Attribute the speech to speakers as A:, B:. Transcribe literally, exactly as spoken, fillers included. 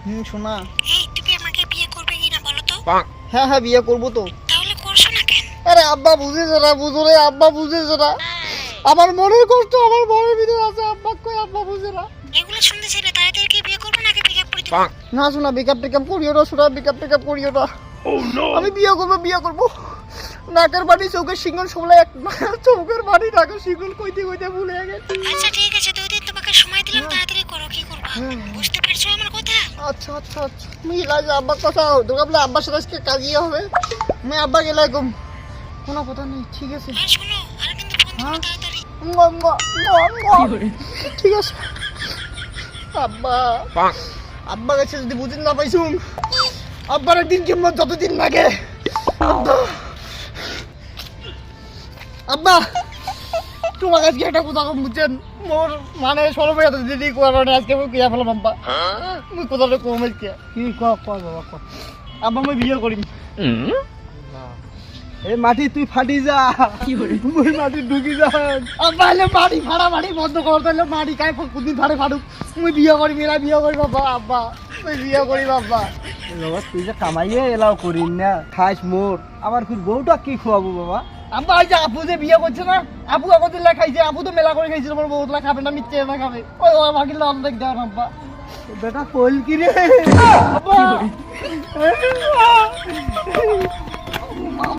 A: হুম শোনা।
B: এই তুমি আমাকে বিয়ে করবে কিনা বলো তো?
A: হ্যাঁ হ্যাঁ বিয়ে করবো তো।
B: তাহলে করছো না কেন?
A: আরে আব্বা বুঝেছে না, বুঝো রে, আব্বা বুঝেছে না। আমার মনের কষ্ট আমার মনের ভিতরে আছে, আব্বা কই আব্বা বুঝে না।
B: এগুলো শুনতে চাইলে তাড়াতাড়ি কি বিয়ে করবে নাকি পিক আপ করে দিবো?
A: না শোনা, বেকআপ টেকআপ করিও না, শোনা বেকআপ টেকআপ করিও না। আমি বিয়ে করবো বিয়ে করবো। নাকের বাড়ি চৌকের সিঙ্গল সবলা এক না, চৌকের বাড়ি নাকের সিঙ্গল কইতে কইতে ভুলে গেছি।
B: আচ্ছা ঠিক আছে, দুই দিন তোমাকে সময় দিলাম, তাড়াতাড়ি করো। কি করবা বুঝতে পারছো আমার কথা?
A: আচ্ছা আচ্ছা আচ্ছা মিল আছে আব্বার কথা, তোকে বলে আব্বার সাথে আজকে কাজিয়ে হবে। আমি আব্বা গেলে একদম কোনো কথা নেই, ঠিক আছে।
B: আর শোনো, আর কিন্তু ফোন করো তাড়াতাড়ি।
A: মুয়া, মুয়া, মুয়া, মুয়া। ঠিক আছে আব্বা, আব্বা কাছে যদি বুঝিন না পাইছুন, আব্বার একদিন কিংবা যতদিন লাগে। আব্বা আব্বা তোমার আজকে একটা কথা কম বুঝছেন, মোর মানে সরবে এত দিদি কারণে আজকে আমি কিয়া ফেলাম আব্বা। মুই কথাটা কম আজকে।
C: কি ক ক বাবা ক।
A: আব্বা মই বিয়ে করিম।
C: এই মাটি তুই ফাটি যা, মুই মাটি ঢুকি যা।
A: আব্বা এলে মাটি ফাড়া মাটি বন্ধ কর, তাহলে মাটি কাই কোনদিন ফাড়ে ফাড়ুক। মুই বিয়ে করিম, এরা বিয়ে করিম আব্বা। আব্বা মুই বিয়ে করিম আব্বা।
C: বাবা তুই যে কামাইয়ে এলাও করিস না, খাস মোর, আমার ফির বউটা কি খোয়াবো বাবা?
A: আব্বা ওই যে আপু যে বিয়ে করছে না, আপু আগতে লে খাইছে, আপু তো মেলা করে খাইছিল, আমার বহুত লা খাবে না, মিথ্যে না খাবে। ওই ওই আমাকে অর্ধেক দেওয়া না আব্বা।
C: বেটা কইল কি রে?
A: আব্বা